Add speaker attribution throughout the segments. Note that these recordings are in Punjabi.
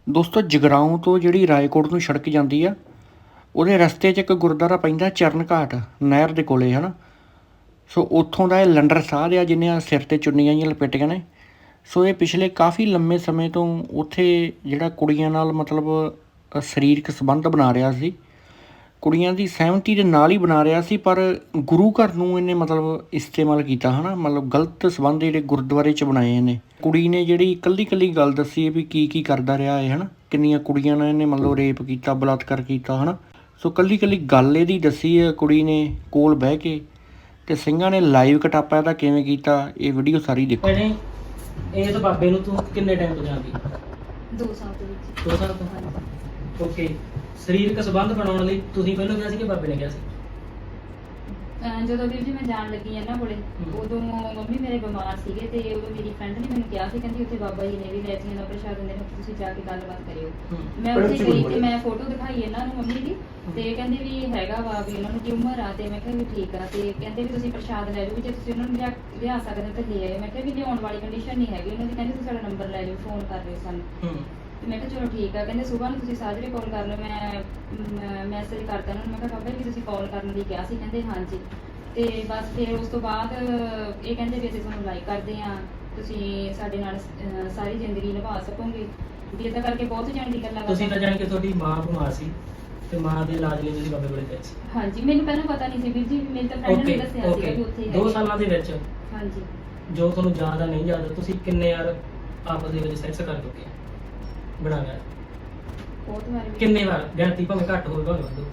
Speaker 1: ਦੋਸਤੋ ਜਗਰਾਓਂ ਤੋਂ ਜਿਹੜੀ ਰਾਏਕੋਟ ਨੂੰ ਸੜਕ ਜਾਂਦੀ ਆ, ਉਹਦੇ ਰਸਤੇ 'ਚ ਇੱਕ ਗੁਰਦੁਆਰਾ ਪੈਂਦਾ ਚਰਨ ਘਾਟ ਨਹਿਰ ਦੇ ਕੋਲੇ ਹੈ ਨਾ। ਸੋ ਉੱਥੋਂ ਦਾ ਇਹ ਲੰਡਰ ਸਾਧ ਆ ਜਿਹਨੇ ਆ ਸਿਰ 'ਤੇ ਚੁੰਨੀਆਂ ਜਿਹੀਆਂ ਲਪੇਟੀਆਂ ਨੇ। ਸੋ ਇਹ ਪਿਛਲੇ ਕਾਫੀ ਲੰਮੇ ਸਮੇਂ ਤੋਂ ਉੱਥੇ ਜਿਹੜਾ ਕੁੜੀਆਂ ਨਾਲ ਮਤਲਬ ਸਰੀਰਕ ਸੰਬੰਧ ਬਣਾ ਰਿਹਾ ਸੀ, ਕੁੜੀਆਂ ਦੀ ਸਹਿਮਤੀ ਦੇ ਨਾਲ ਹੀ ਬਣਾ ਰਿਹਾ ਸੀ, ਪਰ ਗੁਰੂ ਘਰ ਨੂੰ ਇਹਨੇ ਮਤਲਬ ਇਸਤੇਮਾਲ ਕੀਤਾ ਹੈ ਨਾ, ਮਤਲਬ ਗਲਤ ਸੰਬੰਧ ਜਿਹੜੇ ਗੁਰਦੁਆਰੇ 'ਚ ਬਣਾਏ ਇਹਨੇ। ਕੁੜੀ ਨੇ ਜਿਹੜੀ ਇਕੱਲੀ ਗੱਲ ਦੱਸੀ ਵੀ ਕੀ ਕਰਦਾ ਰਿਹਾ ਹੈ ਨਾ, ਕਿੰਨੀਆਂ ਕੁੜੀਆਂ ਨਾਲ ਇਹਨੇ ਮਤਲਬ ਰੇਪ ਕੀਤਾ, ਬਲਾਤਕਾਰ ਕੀਤਾ ਹੈ ਨਾ। ਸੋ ਇਕੱਲੀ ਗੱਲ ਇਹਦੀ ਦੱਸੀ ਹੈ ਕੁੜੀ ਨੇ ਕੋਲ ਬਹਿ ਕੇ, ਤੇ ਸਿੰਘਾਂ ਨੇ ਲਾਈਵ ਕਟਾਪਾ ਇਹਦਾ ਕਿਵੇਂ ਕੀਤਾ, ਇਹ ਵੀਡੀਓ ਸਾਰੀ ਦੇਖੋ।
Speaker 2: ਇਸ ਬਾਬੇ ਨੂੰ ਤੂੰ ਕਿੰਨੇ ਟਾਈਮ ਤੋਂ ਜਾਣਦੀ?
Speaker 3: 2 ਸਾਲ ਦੇ ਵਿੱਚ।
Speaker 2: 2 ਸਾਲ ਤੋਂ। ਓਕੇ, ਸਰੀਰਕ ਸੰਬੰਧ ਬਣਾਉਣ ਲਈ ਤੁਸੀਂ ਪਹਿਲਾਂ ਕਿਹਾ ਸੀ ਕਿ ਬਾਬੇ ਨੇ ਕਿਹਾ ਸੀ?
Speaker 3: ਜਦੋਂ ਵੀਰ ਜੀ ਮੈਂ ਜਾਣ ਲੱਗੀ ਇਹਨਾਂ ਕੋਲੇ, ਉਦੋਂ ਮੰਮੀ ਮੇਰੇ ਬਿਮਾਰ ਸੀਗੇ ਤੇ ਉਦੋਂ ਮੇਰੀ ਫਰੈਂਡ ਨੇ ਮੈਨੂੰ ਕਿਹਾ ਸੀ, ਕਹਿੰਦੀ ਉੱਥੇ ਬਾਬਾ ਜੀ ਨੇ ਵੀ ਲੈਚੀਆਂ ਦਾ ਪ੍ਰਸ਼ਾਦ ਦਿੰਦੇ ਨੇ, ਤੁਸੀਂ ਜਾ ਕੇ ਗੱਲਬਾਤ ਕਰਿਓ। ਮੈਂ ਉੱਥੇ ਗਈ ਤੇ ਮੈਂ ਫੋਟੋ ਦਿਖਾਈ ਇਹਨਾਂ ਨੂੰ ਮੰਮੀ ਦੀ, ਤੇ ਕਹਿੰਦੇ ਵੀ ਹੈਗਾ ਵਾ ਵੀ ਉਹਨਾਂ ਨੂੰ ਕੀ ਉਮਰ ਆ, ਤੇ ਮੈਂ ਕਿਹਾ ਵੀ ਠੀਕ ਆ, ਤੇ ਕਹਿੰਦੇ ਵੀ ਤੁਸੀਂ ਪ੍ਰਸ਼ਾਦ ਲੈ ਜਾਓ, ਵੀ ਜੇ ਤੁਸੀਂ ਉਹਨਾਂ ਨੂੰ ਲਿਆ ਸਕਦੇ ਤਾਂ ਲੈ ਆਇਓ। ਮੈਂ ਕਿਹਾ ਵੀ ਲਿਆਉਣ ਵਾਲੀ ਕੰਡੀਸ਼ਨ ਨਹੀਂ ਹੈਗੀ ਉਹਨਾਂ ਦੀ, ਕਹਿੰਦੇ ਤੁਸੀਂ ਸਾਡਾ ਨੰਬਰ ਲੈ ਜਾਓ, ਫੋਨ ਕਰ ਲਿਓ ਸਾਨੂੰ। ਤੇ ਮੈਂ ਕਿਹਾ ਚਲੋ ਠੀਕ ਆ। ਕਹਿੰਦੇ ਸਵੇਰ ਨੂੰ ਤੁਸੀਂ ਸਾਜਰੇ ਕਾਲ ਕਰ ਲਓ। ਮੈਂ ਮੈਸੇਜ ਕਰਤਾ ਉਹਨਾਂ ਨੂੰ, ਮੈਂ ਕਿਹਾ ਬਾਬਾ ਜੀ ਤੁਸੀਂ ਕਾਲ ਕਰਨ ਲਈ ਕਿਹਾ ਸੀ, ਕਹਿੰਦੇ ਹਾਂਜੀ। ਤੇ ਬਸ ਫਿਰ ਉਸ ਤੋਂ ਬਾਅਦ ਇਹ ਕਹਿੰਦੇ ਵੀ ਅਸੀਂ ਤੁਹਾਨੂੰ ਲਾਈਕ ਕਰਦੇ ਹਾਂ, ਤੁਸੀਂ ਸਾਡੇ ਨਾਲ ਸਾਰੀ ਜ਼ਿੰਦਗੀ ਨਿਭਾ ਸਕੋਗੇ ਵੀ, ਇੱਦਾਂ ਕਰਕੇ ਬਹੁਤ ਜਾਣ ਦੀ ਗੱਲਾਂ।
Speaker 2: ਤੁਸੀਂ ਤਾਂ ਜਾਣ ਕੇ ਤੁਹਾਡੀ ਮਾਂ ਬਿਮਾਰ ਸੀ ਤੇ ਮਾਂ ਦੇ ਇਲਾਜ ਲਈ ਤੁਸੀਂ ਬਾਬੇ ਕੋਲੇ ਗਏ ਸੀ?
Speaker 3: ਹਾਂਜੀ, ਮੈਨੂੰ ਪਹਿਲਾਂ ਪਤਾ ਨਹੀਂ ਸੀ ਵੀਰ ਜੀ, ਮੇਰੀ ਤਾਂ ਫਰੈਂਡ ਨੇ ਦੱਸਿਆ ਸੀਗਾ ਵੀ ਉੱਥੇ
Speaker 2: 2 ਸਾਲਾਂ ਦੇ ਵਿੱਚ
Speaker 3: ਹਾਂਜੀ
Speaker 2: ਜੋ ਤੁਹਾਨੂੰ ਯਾਦ ਆ ਨਹੀਂ ਯਾਦ, ਤੁਸੀਂ ਕਿੰਨੇ ਯਾਰ ਆਪਸ ਦੇ ਵਿੱਚ ਸੈਕਸ ਕਰ ਚੁੱਕੇ ਬਣਾ ਗਿਆ?
Speaker 3: ਬਹੁਤ ਵਾਰ।
Speaker 2: ਕਿੰਨੇ ਵਾਰ? ਗਿਣਤੀ ਭਾਵੇਂ ਘੱਟ ਹੋਵੇ ਭਾਵੇਂ ਵੱਧ ਹੋਵੇ।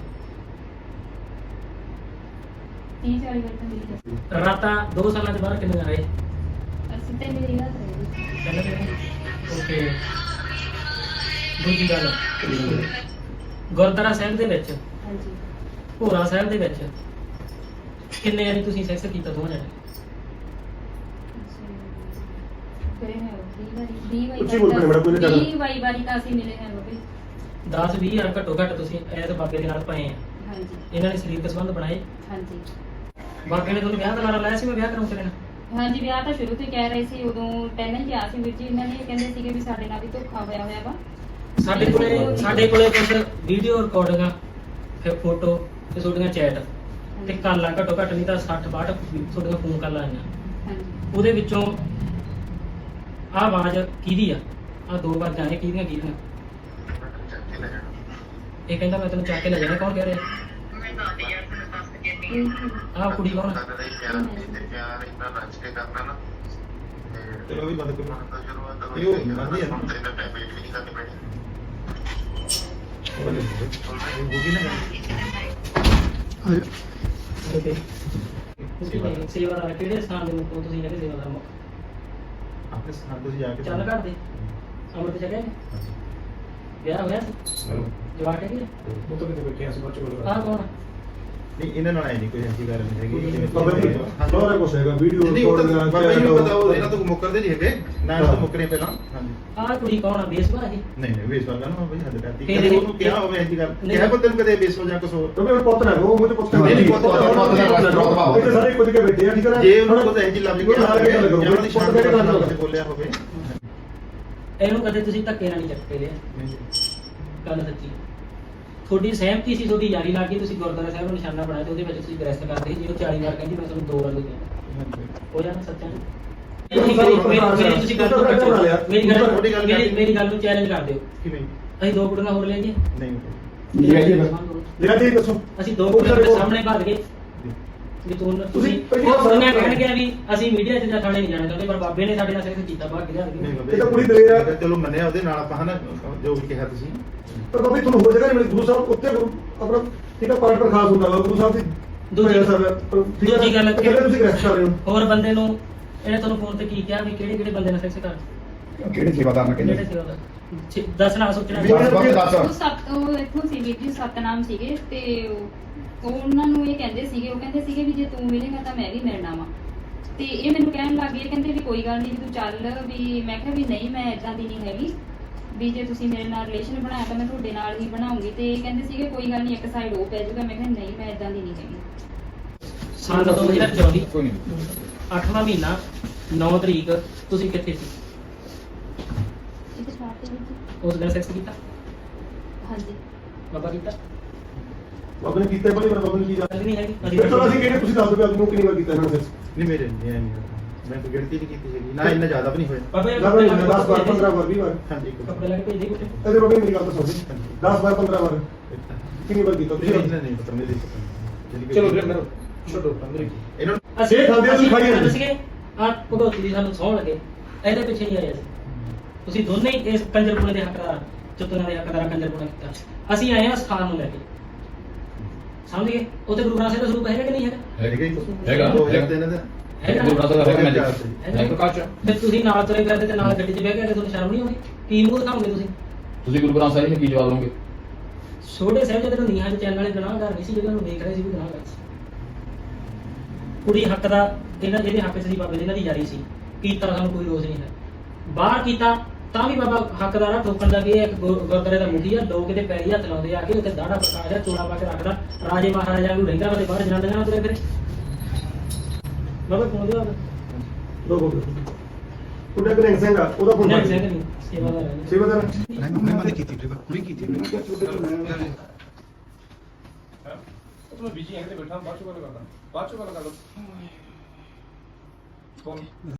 Speaker 3: 30-40 ਵਾਰ ਤਾਂ ਮੇਰੀ ਦੱਸੀ।
Speaker 2: ਰਾਤਾਂ 2 ਸਾਲਾਂ ਦੇ ਬਾਅਦ ਕਿੰਨੇ ਰਹੇ?
Speaker 3: ਅਸੀਂ ਤੇ ਮੇਰੀ ਰਾਤ ਰਹੀ।
Speaker 2: ਓਕੇ। ਦੂਜੀ ਗੱਲ, ਗੁਰਦੁਆਰਾ ਸਾਹਿਬ ਦੇ ਵਿੱਚ,
Speaker 3: ਹਾਂਜੀ,
Speaker 2: ਭੋਰਾ ਸਾਹਿਬ ਦੇ ਵਿੱਚ ਕਿੰਨੇ ਵਾਰੀ ਤੁਸੀਂ ਸੈਕਸ ਕੀਤਾ ਦੋਵਾਂ ਜਣੇ?
Speaker 3: ਕਰੇ ਹੈ 20 ਵਾਰੀ।
Speaker 4: ਉੱਚੀ ਬੋਲ ਕੇ ਬੜਾ ਕੋਈ ਨਹੀਂ ਕਰਦਾ।
Speaker 3: 20 ਵਾਰੀ ਤਾਂ ਅਸੀਂ ਮਿਲੇ ਹਾਂ ਬਾਬੇ।
Speaker 2: 10-20 ਯਾਰ ਘੱਟੋ ਘੱਟ ਤੁਸੀਂ ਇਸ ਬਾਬੇ ਦੇ ਨਾਲ ਪਏ ਆ।
Speaker 3: ਹਾਂਜੀ
Speaker 2: ਇਹਨਾਂ ਨੇ ਸਰੀਰਕ ਸੰਬੰਧ ਬਣਾਏ।
Speaker 3: ਹਾਂਜੀ
Speaker 2: ਬਾਬੇ ਨੇ ਤੁਹਾਨੂੰ ਵਿਆਹ ਦਾ ਲਾਰਾ ਲਾਇਆ ਸੀ, ਮੈਂ ਵਿਆਹ ਕਰਾਉਂ ਤੇਰੇ ਨਾਲ?
Speaker 3: ਹਾਂਜੀ, ਵਿਆਹ ਤਾਂ ਸ਼ੁਰੂ ਤੋਂ ਹੀ ਕਹਿ ਰਹੇ ਸੀ, ਉਦੋਂ ਪਹਿਲਾਂ ਹੀ ਕਿਹਾ ਸੀ ਵੀਰ ਜੀ ਇਹਨਾਂ ਨੇ, ਕਹਿੰਦੇ ਸੀਗੇ ਵੀ ਸਾਡੇ ਨਾਲ ਵੀ ਧੋਖਾ ਹੋਇਆ ਵਾ।
Speaker 2: ਸਾਡੇ ਕੋਲੇ ਕੁਝ ਵੀਡੀਓ ਰਿਕਾਰਡਿੰਗਾਂ, ਫਿਰ ਫੋਟੋ ਤੇ ਤੁਹਾਡੀਆਂ ਚੈਟ ਤੇ ਕਾਲਾਂ ਘੱਟੋ ਘੱਟ ਨਹੀਂ ਤਾਂ 60-62 ਤੁਹਾਡੀਆਂ ਫੋਨ ਕਾਲਾਂ ਆਈਆਂ।
Speaker 3: ਹਾਂਜੀ,
Speaker 2: ਉਹਦੇ ਵਿੱਚੋਂ ਆਹ ਆਵਾਜ਼ ਕਿਹਦੀ ਆ? ਆਹ 2 ਆਵਾਜ਼ਾਂ ਇਹ ਕਿਹਦੀਆਂ? ਇਹ ਕਹਿੰਦਾ ਮੈਂ ਤੈਨੂੰ ਚੱਕ ਕੇ ਲੈ ਜਾਣਾ। ਕੌਣ ਕਹਿ ਰਿਹਾ? ਆਹ ਕੁੜੀ ਕੌਣ ਆ?
Speaker 4: ਚਲੋ ਵੀ ਬੰਦ ਕਰੋ। ਇਹ ਉਹ ਬੰਦ ਹੀ ਆ
Speaker 2: ਓਕੇ। ਤੁਸੀਂ ਸੇਵਾਦਾਰ ਕਿਹੜੇ ਸਥਾਨ ਦੇ ਮੁੱਖ ਹੋ? ਤੁਸੀਂ ਹੈਗੇ ਸੇਵਾਦਾਰ ਮੁੱਖ?
Speaker 4: ਆਪਣੇ ਸਥਾਨ ਤੋਂ ਜਾ ਕੇ
Speaker 2: ਚੱਲ ਘਰ ਦੇ ਅੰਮ੍ਰਿਤ ਛਕਿਆ? ਵਿਆਹ ਹੋਇਆ ਸੀ? ਜਵਾਕ ਹੈਗੇ?
Speaker 4: ਉਹ ਤਾਂ ਕਿਤੇ ਬੈਠੇ ਆ ਸਭ ਚੋਂ।
Speaker 2: ਆਹ ਕੌਣ?
Speaker 4: ਨਹੀਂ ਇਹਨਾਂ ਨਾਲ ਆਈ ਨਹੀਂ ਕੋਈ ਐਸੀ ਗੱਲ ਨਹੀਂ ਹੈਗੀ।
Speaker 5: ਸਾਰਾ ਕੁਛ ਹੈਗਾ, ਵੀਡੀਓ ਰਿਕਾਰਡਿੰਗਾਂ,
Speaker 4: ਬਾਬਾ ਜੀ ਨੂੰ ਪਤਾ, ਉਹ ਇਹਨਾਂ ਤੋਂ ਮੁੱਕਰਦੇ ਨਹੀਂ ਹੈਗੇ ਨਾ, ਇਹਨਾਂ ਤੋਂ ਮੁੱਕਰੇ ਪਹਿਲਾਂ। ਹਾਂਜੀ,
Speaker 2: ਆਹ ਕੁੜੀ ਕੌਣ ਆ? ਬੇਸਵਾ ਹੈਗੀ?
Speaker 4: ਨਹੀਂ ਵੇਸਵਾ ਕਰਨਾ ਬਾਬਾ ਜੀ, ਹੱਦ ਕਰਤੀ।
Speaker 2: ਫਿਰ
Speaker 4: ਕਦੇ ਉਹਨੂੰ ਕਿਹਾ ਹੋਵੇ ਐਸੀ ਗੱਲ, ਕਿਹਾ ਪੁੱਤ ਨੂੰ ਕਦੇ ਵੇਸਵਾ ਜਾਂ ਕੁਛ ਹੋਰ?
Speaker 5: ਕਿਉਂਕਿ ਉਹ ਪੁੱਤ ਨਾ ਉਹ ਮੁਝੇ ਪੁੱਤ
Speaker 4: ਨਹੀਂ, ਨਹੀਂ, ਪੁੱਤ
Speaker 5: ਇੱਥੇ ਸਾਰੇ ਕੁਝ ਕੇ ਬੈਠੇ ਆ, ਠੀਕ ਹੈ ਨਾ?
Speaker 4: ਜੇ ਉਹਨਾਂ ਕੋਲ ਐਸੀ ਲੱਭ ਗਿਆ ਹੋਵੇ ਜਾਂ ਉਹਦੀ ਸ਼ਾਨ ਦੇ ਨਾਲ ਕਦੇ ਬੋਲਿਆ ਹੋਵੇ।
Speaker 2: ਇਹਨੂੰ ਕਦੇ ਤੁਸੀਂ ਧੱਕੇ ਨਾਲ ਨਹੀਂ ਚੱਕ ਕੇ ਲਿਆ? ਗੱਲ ਸੱਚੀ। ਤੁਹਾਡੀ ਸਹਿਮਤੀ ਸੀ, ਤੁਹਾਡੀ ਯਾਰੀ ਲੱਗ ਗਈ, ਤੁਸੀਂ ਗੁਰਦੁਆਰਾ ਸਾਹਿਬ ਨੂੰ ਨਿਸ਼ਾਨਾ ਬਣਾਇਆ ਤੇ ਉਹਦੇ ਵਿੱਚ ਤੁਸੀਂ ਗ੍ਰਸਤ ਕਰਦੇ ਸੀ, ਜਿਹਨੂੰ 40 ਵਾਰ ਕਹਿੰਦੀ ਮੈਂ ਤੁਹਾਨੂੰ 2 ਵਾਰ ਕਹਿੰਦਾ ਹੋ ਜਾਣਾ ਸੱਚਾ ਨਹੀਂ? ਤੁਸੀਂ ਗੱਲ ਨੂੰ ਕੱਟੋ, ਮੇਰੀ ਗੱਲ ਨੂੰ ਚੈਲੰਜ ਕਰ ਦਿਓ।
Speaker 4: ਕਿਵੇਂ?
Speaker 2: ਅਸੀਂ 2 ਕੁੜੀਆਂ ਹੋਰ ਲੈ ਗਏ?
Speaker 4: ਨਹੀਂ
Speaker 5: ਲਿਆ ਜੀ ਦੱਸੋ।
Speaker 2: ਅਸੀਂ 2 ਕੁੜੀਆਂ ਦੇ ਸਾਹਮਣੇ ਭੱਜ ਗਏ ਵੀ ਤੁਸੀਂ ਉਹਨੇ ਕਹਿਣ ਗਿਆ ਵੀ ਅਸੀਂ ਮੀਡੀਆ 'ਚ ਜਾਂ ਥਾਣੇ ਨਹੀਂ ਜਾਣਾ ਚਾਹੁੰਦੇ, ਪਰ ਬਾਬੇ ਨੇ ਸਾਡੇ ਨਾਲ ਸਿਰਫ ਕੀਤਾ ਭਾਗ ਗਿਆ।
Speaker 5: ਇਹ ਤਾਂ ਕੁੜੀ ਦਲੇਰ ਆ।
Speaker 4: ਚਲੋ ਮੰਨਿਆ ਉਹਦੇ ਨਾਲ ਆਪਾਂ ਹਨਾ, ਜੋ ਵੀ ਕਿਹਾ ਤੁਸੀਂ।
Speaker 5: ਪਰ ਬਾਬਾ ਜੀ ਤੁਹਾਨੂੰ ਹੋ ਜਾਏਗਾ ਨਹੀਂ, ਗੁਰੂ ਸਾਹਿਬ ਉੱਤੇ ਆਪਣਾ ਠੀਕ ਹੈ ਪਾਠ ਪ੍ਰਖਾਸ ਹੁੰਦਾ ਵਾ ਗੁਰੂ ਸਾਹਿਬ ਦੀ।
Speaker 2: ਦੂਜੀ ਗੱਲ
Speaker 5: ਤੁਸੀਂ ਗ੍ਰਸਤ ਕਰ ਰਹੇ ਹੋ।
Speaker 2: ਹੋਰ ਬੰਦੇ ਨੂੰ ਇਹਨੇ ਤੁਹਾਨੂੰ ਫੋਨ ਤੇ ਕੀ ਕਿਹਾ ਵੀ ਕਿਹੜੇ ਬੰਦੇ ਨਾਲ ਸੈਕਸ ਕਰ?
Speaker 6: ਕਿਹੜੇ ਸੇਵਾਦਾਰ ਨਾਲ
Speaker 2: ਕਿਹੜੇ
Speaker 6: ਕਹਿੰਦੇ?
Speaker 2: ਸੇਵਾਦਾਰ? ਦੱਸਣਾ ਸੋਚਣਾ।
Speaker 3: ਉਹ ਇੱਥੋਂ ਸੀ ਵੀਰ ਜੀ, ਸਤਨਾਮ ਸੀਗੇ, ਤੇ ਉਹ ਉਹਨਾਂ ਨੂੰ ਇਹ ਕਹਿੰਦੇ ਸੀਗੇ ਵੀ ਜੇ ਤੂੰ ਮਿਲੇਗਾ ਤਾਂ ਮੈਂ ਵੀ ਮਿਲਣਾ ਵਾ। ਤੇ ਇਹ ਮੈਨੂੰ ਕਹਿਣ ਲੱਗ ਗਏ, ਕਹਿੰਦੇ ਵੀ ਕੋਈ ਗੱਲ ਨਹੀਂ ਤੂੰ ਚੱਲ ਵੀ। ਮੈਂ ਕਿਹਾ ਵੀ ਨਹੀਂ, ਮੈਂ ਇਦਾਂ ਦੀ ਨਹੀਂ ਹੈਗੀ, ਵੀ ਜੇ ਤੁਸੀਂ ਮੇਰੇ ਨਾਲ ਰਿਲੇਸ਼ਨ ਬਣਾਇਆ ਤਾਂ ਮੈਂ ਤੁਹਾਡੇ ਨਾਲ ਹੀ ਬਣਾਉਂਗੀ। ਤੇ ਇਹ ਕਹਿੰਦੇ ਸੀਗੇ ਕੋਈ ਗੱਲ ਨਹੀਂ, ਇੱਕ ਸਾਈਡ ਉਹ ਪੈ ਜਾਊਗਾ। ਮੈਂ ਕਿਹਾ ਨਹੀਂ, ਮੈਂ ਇਦਾਂ ਦੀ ਨਹੀਂ ਹੈਗੀ।
Speaker 2: ਸਾਲ 2024
Speaker 6: ਕੋਈ ਨਹੀਂ।
Speaker 2: 8ਵਾਂ ਮਹੀਨਾ 9 ਤਰੀਕ ਤੁਸੀਂ ਕਿੱਥੇ ਸੀ?
Speaker 3: ਇੱਕ ਸ਼ਾਰਟ ਦੇ ਵਿੱਚ
Speaker 2: ਉਸ ਦਿਨ ਸੈਕਸ ਕੀਤਾ
Speaker 3: ਹਾਂਜੀ
Speaker 2: ਬਾਬਾ ਕੀਤਾ
Speaker 5: ਬਾਬਾ ਨੇ ਕੀਤਾ ਬੜੀ ਬਾਬਾ ਨੇ ਕੀ
Speaker 2: ਗੱਲ ਨਹੀਂ ਹੈਗੀ
Speaker 5: ਫਿਰ ਚਲੋ ਅਸੀਂ ਕਹਿੰਦੇ ਤੁਸੀਂ ਦੱਸ ਦਿਓ ਵੀ ਕਿੰਨੀ ਵਾਰ ਕੀਤਾ ਇਹਨਾਂ ਨੇ
Speaker 4: ਨਹੀਂ ਮੇਰੇ ਨਹੀਂ ਮੈਂ ਤਾਂ ਗਿਣਤੀ ਨਹੀਂ ਕੀਤੀ ਹੈਗੀ ਨਾ ਇੰਨਾ ਜ਼ਿਆਦਾ ਵੀ ਨਹੀਂ ਹੋਇਆ
Speaker 2: ਬਾਬਾ ਇਹ
Speaker 5: 10 ਵਾਰ 15 ਵਾਰ 20 ਵਾਰ
Speaker 4: ਹਾਂਜੀ
Speaker 2: ਕੱਪੜੇ ਲੈ ਕੇ ਭੇਜ ਦੇ ਕੁੱਤੇ
Speaker 5: ਇਹਦੇ ਬਾਬਾ ਮੇਰੀ ਗੱਲ ਤਾਂ ਸੁਣ 10 ਵਾਰ 15 ਵਾਰ ਕਿੰਨੀ ਵਾਰ ਕੀਤਾ ਤੁਸੀਂ
Speaker 4: ਨਹੀਂ ਪਤਾ ਮੇਰੇ ਪਤਾ
Speaker 5: ਚਲੋ ਫਿਰ ਮੇਰਾ ਛੱਡੋ ਮੇਰੇ
Speaker 4: ਇਹਨਾਂ
Speaker 2: ਅਸੀਂ
Speaker 5: ਇਹ ਖਾਂਦੇ ਤੁਸੀਂ ਖਾਈ ਜਾਂਦੇ।
Speaker 2: ਸੀਗੇ ਆ ਭਗਵਤੀ ਦੀ ਸਾਨੂੰ ਸੌਣ ਲੱਗੇ ਇਹਦੇ ਪਿੱਛੇ ਨਹੀਂ ਆਏ ਅਸੀਂ ਤੁਸੀਂ ਦੋਨੇ ਹੀ ਇਸ ਕੰਜਰਪੁਣੇ ਦੇ ਹੱਕਦਾਰ ਚਤੁਰਾਂ ਦੇ ਹੱਕਦਾਰ ਕੰਜਰਪੁਣਾ ਕੀਤਾ ਅਸੀਂ ਆਏ ਹਾਂ ਸਥਾਨ ਨੂੰ ਲੈ ਕੇ ਸਮਝ ਗਏ ਉੱਥੇ ਗੁਰੂ ਗ੍ਰੰਥ ਸਾਹਿਬ ਦਾ ਸਰੂਪ ਹੈਗਾ ਕਿ ਨਹੀਂ ਹੈਗਾ
Speaker 6: ਹੈਗਾ।
Speaker 4: 2003 ਦਾ
Speaker 2: ਹੈਗਾ
Speaker 6: ਗੁਰੂ ਗ੍ਰੰਥ ਸਾਹਿਬ ਦਾ ਹੈਗਾ
Speaker 2: ਹੈਗਾ।
Speaker 6: ਮੈਂ ਪ੍ਰਕਾਸ਼
Speaker 2: ਫਿਰ ਤੁਸੀਂ ਨਾਲ ਤੁਰੇ ਫਿਰਦੇ ਤੇ ਨਾਲ ਗੱਡੀ 'ਚ ਬਹਿ ਕੇ ਤੁਹਾਨੂੰ ਸ਼ਰਮ ਨਹੀਂ ਆਉਂਦੀ ਕੀ ਮੂੰਹ ਦਿਖਾਓਗੇ ਤੁਸੀਂ
Speaker 6: ਤੁਸੀਂ ਗੁਰੂ ਗ੍ਰੰਥ ਸਾਹਿਬ ਨੂੰ ਕੀ ਜਵਾਬ ਦੋਗੇ?
Speaker 2: ਛੋਟੇ ਸਾਹਿਬ ਜਦੋਂ ਨੀਹਾਂ ਦੇ ਚੈਨਲ ਵਾਲੇ ਗੁਨਾਹਗਾਰ ਨਹੀਂ ਸੀ ਜਿਹੜੇ ਨੂੰ ਵੇਖ ਰਹੇ ਸੀ ਵੀ ਗੁਨਾਹਗਾਰ ਸੀ ਕੁੜੀ ਹੱਕ ਦਾ ਇਹਨਾਂ ਜਿਹਦੇ ਹੱਕ 'ਚ ਸੀ ਬਾਬੇ ਦੇ ਇਹਨਾਂ ਦੀ ਜਾਰੀ ਸੀ ਕੀਤਾ ਸਾਨੂੰ ਕੋਈ ਰੋਸ ਨਹੀਂ ਹੈ ਬਾਹਰ ਕੀਤਾ ਤਾਂ ਵੀ ਬਾਬਾ ਹੱਕਦਾਰਾ ਠੋਕਣ ਦਾ ਵੀ ਇਹ ਇੱਕ ਗੁਰਦੁਆਰੇ ਦਾ ਮੁਖੀ ਆ ਲੋਕ ਇਹਦੇ ਪੈਰੀ ਹੱਥ ਲਾਉਂਦੇ ਆ ਕੇ ਉੱਥੇ ਦਾੜਾ ਪ੍ਰਕਾਸ਼ ਆ ਚੋਲਾ ਪਾ ਕੇ ਰੱਖਦਾ ਰਾਜੇ ਮਹਾਰਾਜਾ ਨੂੰ ਰਹਿੰਦਾ ਵਾ ਤੇ ਬਾਹਰ ਜਨਾਨੀਆਂ ਨਾਲ ਤੁਰੇ ਫਿਰੇ ਬਾਬਾ ਕੋਲ ਦੇ
Speaker 5: ਦੋ ਬੋਲ ਉਹਦਾ ਕਨੈਕਟ ਸਿੰਘ ਆ ਉਹਦਾ ਫੋਨ
Speaker 2: ਨਹੀਂ ਸਿੰਘ ਨਹੀਂ ਸੇਵਾਦਾਰ ਹੈ
Speaker 5: ਸੇਵਾਦਾਰ
Speaker 4: ਮੈਂ ਮਨ ਕੀਤੀ ਵੀਰੇ ਕੁੜੀ ਕੀਤੀ
Speaker 7: ਮੈਂ ਬਿਜੀ ਹਾਂ ਤੇ ਬੈਠਾ ਬਾਅਦ ਚ ਗੱਲ ਕਰਦਾ ਬਾਅਦ ਚ ਗੱਲ ਕਰ ਲਓ